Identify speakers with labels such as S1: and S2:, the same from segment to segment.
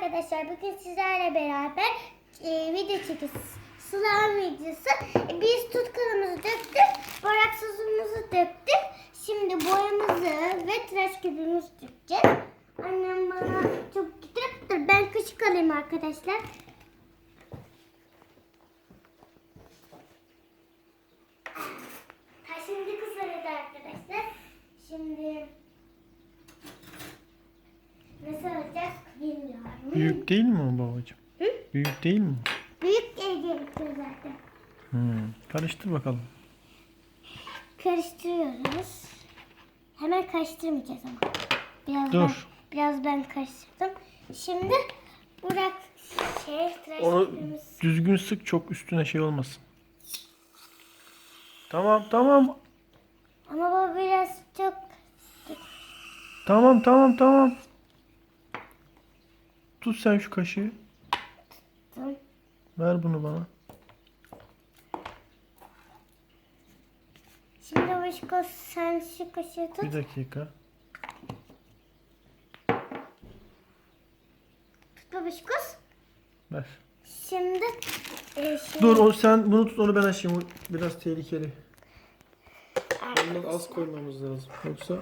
S1: arkadaşlar, bugün sizlerle beraber video çekiyoruz. Slime videosu. Biz tutkalımızı döktük, borak sosumuzu döktük. Şimdi boyamızı ve tıraş köpüğümüzü dökeceğiz. Annem bana çok getirip dur, ben kaşık alayım arkadaşlar. Şimdi kızardı arkadaşlar. Şimdi nasıl olacak bilmiyorum.
S2: Büyük değil mi o babacığım?
S1: Hı?
S2: Büyük değil mi?
S1: Büyük gerekiyor zaten.
S2: Karıştır bakalım.
S1: Karıştırıyoruz. Hemen karıştırmayacağız ama.
S2: Dur.
S1: Biraz ben karıştırdım. Şimdi Burak tıraş
S2: Onu
S1: köpüğümüz.
S2: düzgün sık, çok üstüne şey olmasın. Tamam.
S1: Ama bu biraz çok
S2: Tamam. Tut sen şu kaşığı.
S1: tuttum.
S2: Ver bunu bana.
S1: Şimdi Başko sen şu kaşığı tut.
S2: Bir dakika.
S1: Tut Başko.
S2: Ver.
S1: Şimdi
S2: Dur, sen bunu tut, onu ben açayım. O biraz tehlikeli. Ondan az koymamız lazım. Yoksa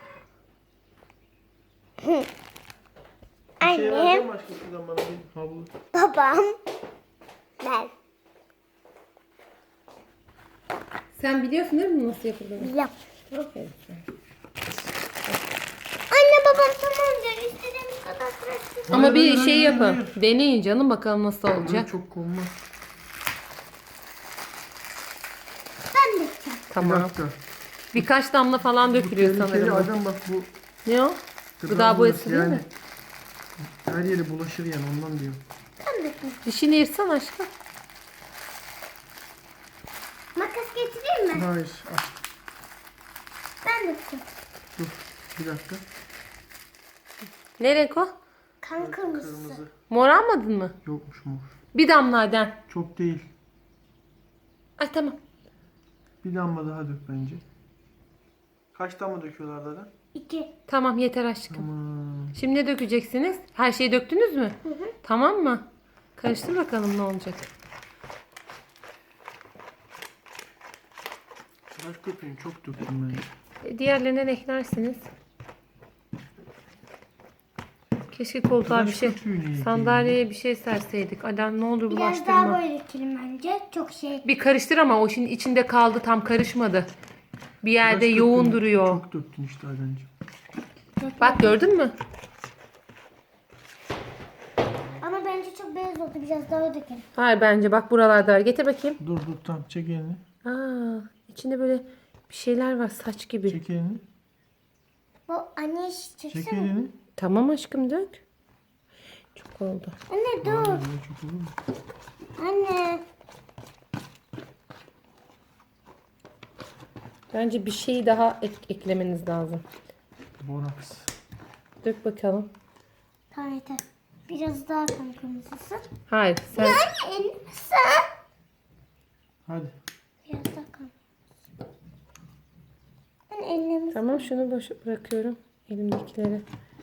S2: bir şey vereceğim
S1: Annem,
S2: başka, şuradan bana bir havlu.
S1: babam, ben.
S3: Sen biliyorsun değil mi nasıl yapıldığını?
S1: Yap.
S3: Aferin.
S1: Anne babam tamam diyor. İstediğimiz kadar tıraş.
S3: Ama bir
S2: hayır,
S3: şey yapın.
S2: hayır.
S3: Deneyin canım, bakalım nasıl
S2: Böyle
S3: olacak.
S2: çok konmaz.
S1: Ben de yapacağım.
S2: Bir
S3: Tamam.
S2: dakika.
S3: Birkaç damla falan
S2: Bu
S3: dökülüyor
S2: tehlikeli
S3: sanırım.
S2: Adem, bak bu
S3: Ne o? Gıda boyası değil mi?
S2: Her yere bulaşır yani, ondan diyorum.
S1: Ben de yapacağım.
S3: Dişini yırtsan aşkım.
S1: Makas getireyim mi?
S2: Hayır, aç.
S1: Ben de yapacağım.
S2: Dur, bir dakika.
S3: Ne renk o?
S1: Kan kırmızısı.
S2: Kırmızı.
S3: Mor almadın mı?
S2: Yokmuş mor.
S3: Bir damla Adem.
S2: Çok değil.
S3: Ay tamam.
S2: Bir damla daha dök bence. Kaç damla döküyorlar zaten?
S1: 2.
S3: Tamam yeter aşkım.
S2: Aman.
S3: Şimdi ne dökeceksiniz? Her şeyi döktünüz mü? Tamam mı? Karıştır bakalım ne olacak.
S2: Tıraş köpüğünü çok döktüm ben.
S3: Diğerlerine de eklersiniz. Keşke koltuğa bir
S2: Tıraş
S3: şey,
S2: köpüğü neydi?
S3: sandalyeye bir şey serseydik. Adem ne olur
S1: Biraz daha
S3: bulaştırma.
S1: böyle dökelim bence. Çok şey.
S3: Bir karıştır ama o şimdi içinde kaldı, tam karışmadı. Bir yerde
S2: Tıraş
S3: yoğun
S2: köpüğünü
S3: duruyor.
S2: Çok döktün işte Ademciğim.
S3: Bak gördün mü?
S1: Ama bence çok beyaz oldu. Biraz daha dökelim.
S3: Hayır bence bak buralarda var. Getir bakayım.
S2: Dur tamam, çek elini.
S3: Aa, içinde böyle bir şeyler var, saç gibi.
S2: Çek elini.
S1: Bu anne
S2: Çek
S1: çeksene.
S2: elini.
S3: Tamam aşkım dök. Çok oldu.
S1: Anne dur.
S2: Böyle çok olur mu?
S1: Anne.
S3: Bence bir şey daha eklemeniz lazım.
S2: Boraks.
S3: Dök bakalım.
S1: Tamam yeter. Biraz daha kan kırmızısı.
S3: Hayır sen
S1: Anne elini sen.
S2: Hadi.
S1: Biraz daha kan. Anne elini
S3: tamam, şunu boş bırakıyorum elimdekileri.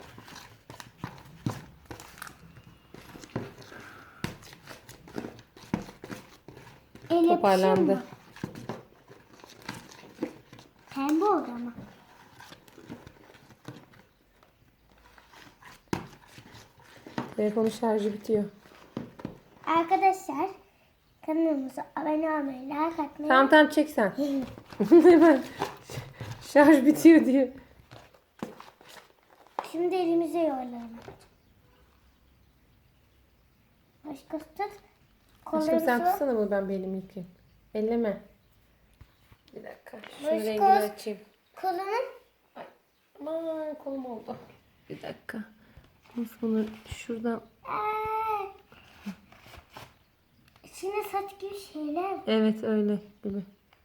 S1: el
S3: Toparlandı.
S1: yapışıyor mu? Pembe oldu ama.
S3: Telefonun şarjı bitiyor.
S1: Arkadaşlar kanalımıza abone olmayı, like atmayı.
S3: Tamam çek sen. Hemen şarj bitiyor diye.
S1: Şimdi elimize yuvarlayalım. Başkası tut.
S3: Aşkım sen
S1: Kollarımızı-
S3: tutsana bunu, ben bir elimi yıkayayım. Elleme. Bir dakika. Şunu
S1: Başka-
S3: rengini açayım.
S1: Kolunun
S3: Aman kolum oldu. Bir dakika. Nasıl bunu şuradan.
S1: içine saç gibi şeyler var.
S3: Evet öyle gibi.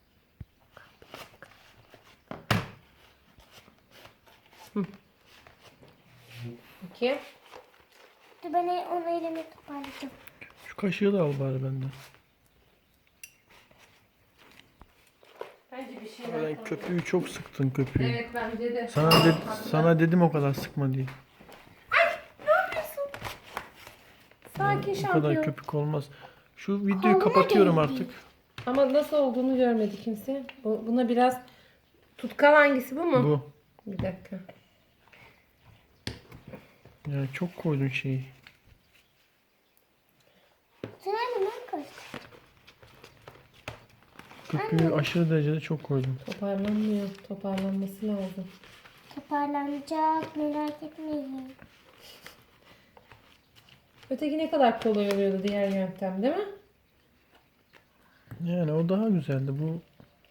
S3: Hı. Bakayım.
S1: Dur ben onu elime toparlayacağım.
S2: Şu kaşığı da al bari benden.
S3: Bence bir şey
S2: Sen köpüğü çok sıktın, köpüğü.
S3: Evet bence de.
S2: Sana dedim o kadar sıkma diye.
S3: Sakin
S2: Bu kadar
S3: şampiyon.
S2: köpük olmaz. Şu videoyu
S1: Koluna
S2: kapatıyorum
S1: değdi.
S2: artık.
S3: Ama nasıl olduğunu görmedi kimse. Buna biraz tutkal hangisi, bu mu?
S2: Bu.
S3: Bir dakika.
S2: Yani çok koydun şeyi.
S1: Sen hemen koy.
S2: Köpüğü aşırı derecede çok koydum.
S3: Toparlanmıyor. Toparlanması lazım.
S1: Toparlanacak, merak etmeyin.
S3: Öteki ne kadar kolay oluyordu, diğer yöntem değil mi?
S2: Yani o daha güzeldi. Bu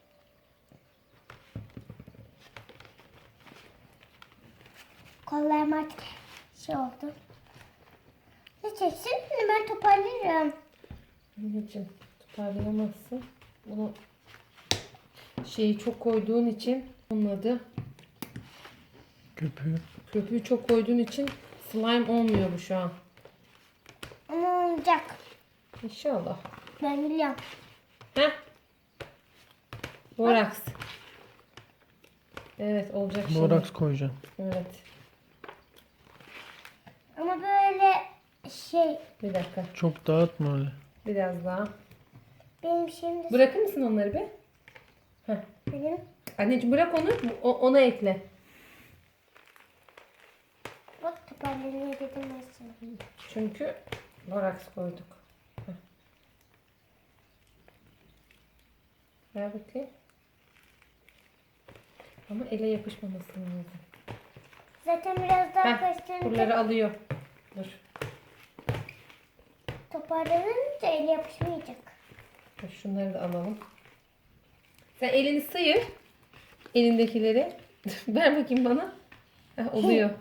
S1: Kollarım artık şey oldu. Ne çeksin? Ben toparlarım.
S3: Anneciğim, toparlayamazsın. Bunu şeyi çok koyduğun için, onun adı,
S2: köpüğü.
S3: köpüğü çok koyduğun için slime olmuyor bu şu an.
S1: Ama olacak.
S3: İnşallah.
S1: Ben biliyorum.
S3: Heh. Boraks. Evet, olacak şimdi.
S2: Boraks koyacağım.
S3: Evet.
S1: Ama böyle şey
S3: Bir dakika.
S2: Çok dağıtma öyle.
S3: Biraz daha.
S1: benim şimdi
S3: Bırakır mısın onları bir? Heh.
S1: benim
S3: Anneciğim bırak onu. Ona ekle.
S1: bak toparlanıyor dedim ben sana.
S3: Çünkü boraks koyduk. Heh. Ver bakayım. Ama ele yapışmaması lazım.
S1: Zaten biraz daha
S3: Heh,
S1: karıştırınca
S3: buraları alıyor. Dur.
S1: toparlanınca ele yapışmayacak.
S3: Dur, şunları da alalım. Sen elini sıyır. Elindekileri. Ver bakayım bana. Heh, oluyor.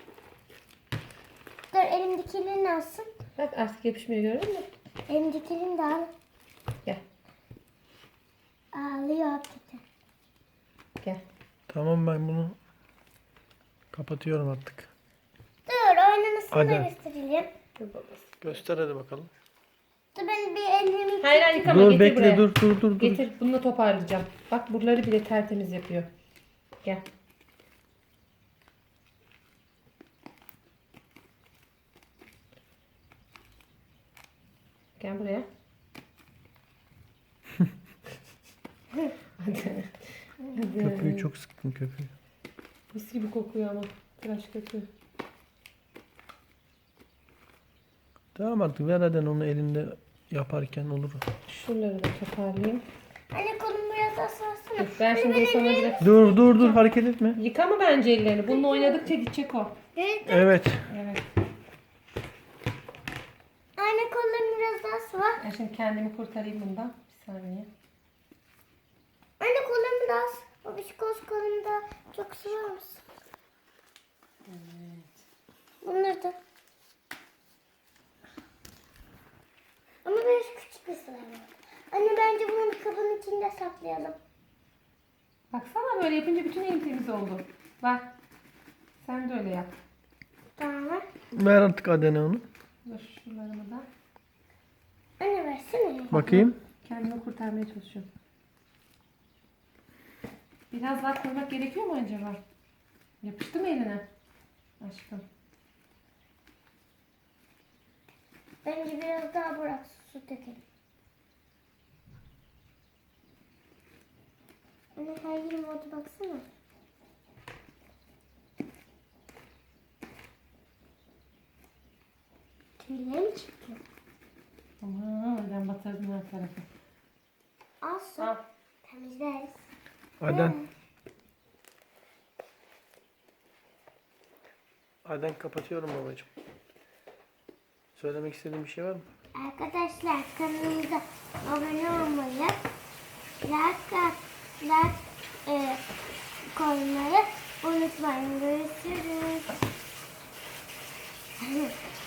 S1: Dur elimdekilerini alsın.
S3: Bak artık yapışmıyor, gördün mü?
S1: Elimdekilerini de al.
S3: Gel.
S1: Ağlıyor hakikaten.
S3: Gel.
S2: Tamam, ben bunu kapatıyorum artık.
S1: Dur oynamasını da
S2: Hadi.
S1: gösterelim.
S3: Dur babası.
S2: Göster hadi bakalım.
S1: Dur ben bir elimi...
S3: Hayır hayır, yıkama,
S2: Dur
S3: getir
S2: bekle,
S3: buraya.
S2: dur.
S3: Getir, bununla toparlayacağım. Bak buraları bile tertemiz yapıyor. Gel. Gel buraya. Hadi. Hadi.
S2: Köpüğü çok sıktın köpüğü.
S3: Mis gibi kokuyor ama. Tıraş köpüğü.
S2: Tamam artık, ver hadi onu elinde yaparken olur.
S3: Şuraları da toparlayayım.
S1: Anne kolumu biraz daha sarsana.
S3: Dur, ben şimdi sana biraz...
S2: Dur hareket etme.
S3: Yıkama bence ellerini. Bununla oynadıkça gidecek o.
S1: Evet.
S2: Evet.
S3: Evet.
S1: Anne kollarım biraz daha sıvı.
S3: Ben şimdi kendimi kurtarayım bundan. Bir saniye.
S1: Anne kollarımı daha sıvı. Babişkoz kolumu da çok sıvır mısın?
S3: Evet.
S1: Bunları da. Ama biraz küçük bir sıvı var. Anne bence bunu bir kabın içinde saklayalım.
S3: Baksana, böyle yapınca bütün elim temiz oldu. Bak. Sen de öyle yap.
S1: Tamam.
S2: Ver artık Adene onu.
S3: Dur şuralarımı da.
S1: Anne versene.
S2: Bakayım.
S3: Kendimi kurtarmaya çalışıyorum. Biraz daha koymak gerekiyor mu acaba? Yapıştı mı eline? Aşkım.
S1: Bence biraz daha bırak su dökelim. Anne her yerim oldu baksana. Tüylerim çıktı.
S3: Aman, ben batırdım her tarafı.
S1: Al su.
S3: Al.
S1: Temizleriz.
S2: Aden. Aden, kapatıyorum babacığım. Söylemek istediğin bir şey var mı?
S1: Arkadaşlar kanalımıza abone olmayı, like koymayı unutmayın. Görüşürüz.